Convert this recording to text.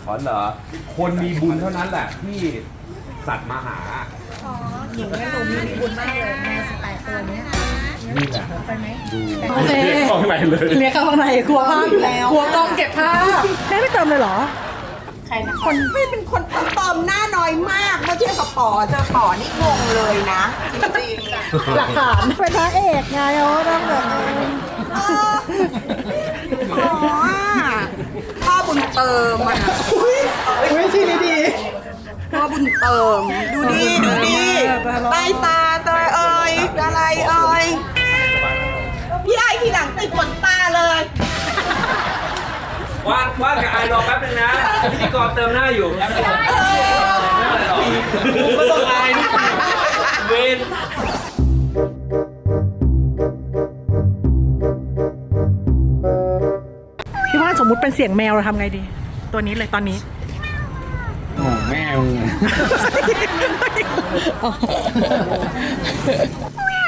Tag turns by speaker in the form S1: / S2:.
S1: อ๋อเหรอคนมีบุญเท่านั้นแหละที่สัตว์มาหา
S2: หนูมีบุญมากเลยแมว18 ตัวเนี้ย
S1: นี่แหละ
S2: ไปไหม
S1: ดู
S3: โอเค
S1: ข้างในเลย
S3: เรียกเข้าข้างในกลัวภาพอยู่แล้วกลัวกล้องเก็บภาพแม่ไม่เติมเลยเหรอ
S2: คนไม่เป็นคนเติมหน้าน้อยมากเมื่อเทียบกับป๋อเจอป๋อนี่งงเลยนะจริงๆ
S3: หลักฐานเป็นพระเอกไงโอ้ต้องแบบ
S2: อ๋อพ่อบุญเติมอ่ะ
S3: อุ้ยชีดี
S2: พ่อบุญเติมดูดิดูดิใต้ตาเตยเอ่ยอะไรเอ่ยพี่ไอทีหลังติดขนตาเลย
S1: ว่างกับไอรอแป๊บนึงนะพิธีกรเติมหน้าอยู่แป๊บนึงไม่ต้องอายเวน
S3: พี่ว่าสมมุติเป็นเสียงแมวเราทำไงดี ตัวนี้เลยตอนนี้
S1: โอ้แม่